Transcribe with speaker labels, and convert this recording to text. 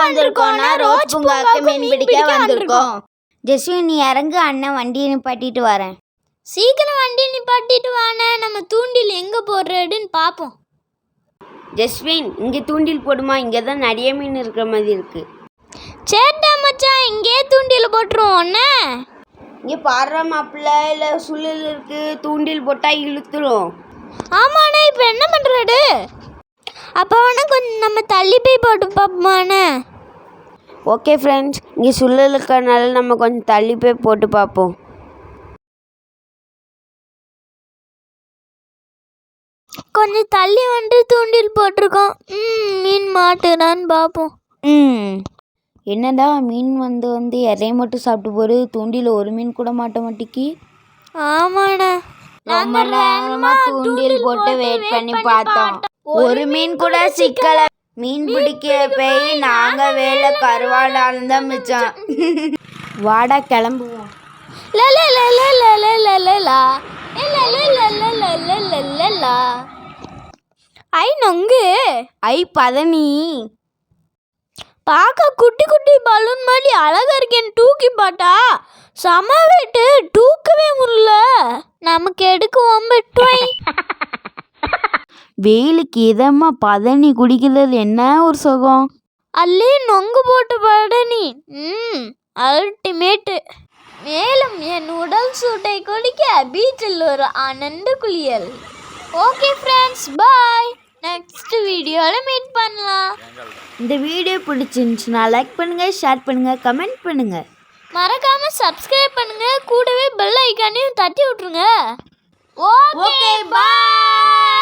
Speaker 1: வந்திருக்கோம்னா ரோஜ் பூங்காவுக்கு மீன் பிடிக்க வந்திருக்கோம். ஜெஸ்வின் நீ இறங்கு, அண்ணன் வண்டியை நிப்பாட்டிட்டு வரேன்.
Speaker 2: சீக்கிரம் வண்டியை நிப்பாட்டிட்டு வானே, நம்ம தூண்டில் எங்கே போடுறதுன்னு பார்ப்போம்.
Speaker 1: ஜெஸ்வின் இங்கே தூண்டில் போடுமா, இங்கே தான் நிறைய மீன் இருக்கிற மாதிரி இருக்கு.
Speaker 2: சேட்டா மச்சான், இங்கே தூண்டில் போட்டுருவோம்.
Speaker 1: இங்கே பாடுற மாப்பிள்ள இல்லை சுழல் இருக்கு, தூண்டில் போட்டால் இழுத்துரும்.
Speaker 2: ஆமாண்ணே, இப்போ என்ன பண்ணுறது? அப்போ வேணா கொஞ்சம் நம்ம தள்ளி போய் போட்டு பார்ப்போமாண்ணே.
Speaker 1: ஓகே ஃப்ரெண்ட்ஸ், இங்கே சுழல் இருக்கிறனால நம்ம கொஞ்சம் தள்ளி போய் போட்டு பார்ப்போம்.
Speaker 2: கொஞ்சம் தள்ளி வந்துட்டு தூண்டில் போட்டிருக்கோம். மீன் மாட்டுதான்னு பார்ப்போம்.
Speaker 1: என்னடா மீன் வந்து இறைய மட்டும் சாப்பிட்டு போரு, தூண்டில் ஒரு மீன் கூட மாட்ட மாட்டேக்கி.
Speaker 2: ஆமாண்ணே,
Speaker 1: ரொம்ப நேரமா தூண்டில் போட்டு வெயிட் பண்ணி பார்த்தோம், ஒரு மீன் கூட சிக்கல. மீன் பிடிக்க போய் நாங்க வேலை கருவாடாலும் தான் மிச்சம். வாடா கிளம்புவோம்.
Speaker 2: ஐ நொங்கு,
Speaker 1: ஐ பதனி,
Speaker 2: பார்க்க குட்டி குட்டி பலூன் மாதிரி அழகா இருக்கேன்னு தூக்கி பார்த்தா செம வெயிட்டு, தூக்கவே முடியல. நமக்கு எடுக்குவோம்.
Speaker 1: வெயிலுக்கு இதமா பதனி குடிக்கிறது என்ன ஒரு சுகம்.
Speaker 2: அல்லே நொங்கு போட்டு பதனி அல்டிமேட்டு. மேலும் என் உடல் சூட்டை குடிக்க பீச்சில் ஒரு ஆனந்த குளியல். Okay friends, bye. நெக்ஸ்ட் வீடியோவில் மீட் பண்ணலாம்.
Speaker 1: இந்த வீடியோ பிடிச்சிருந்துச்சுன்னா லைக் பண்ணுங்க, ஷேர் பண்ணுங்க, கமெண்ட் பண்ணுங்க,
Speaker 2: மறக்காம சப்ஸ்கிரைப் பண்ணுங்க, கூடவே பெல் ஐக்கானையும் தட்டி விட்டுருங்க. ஓகே பாய்.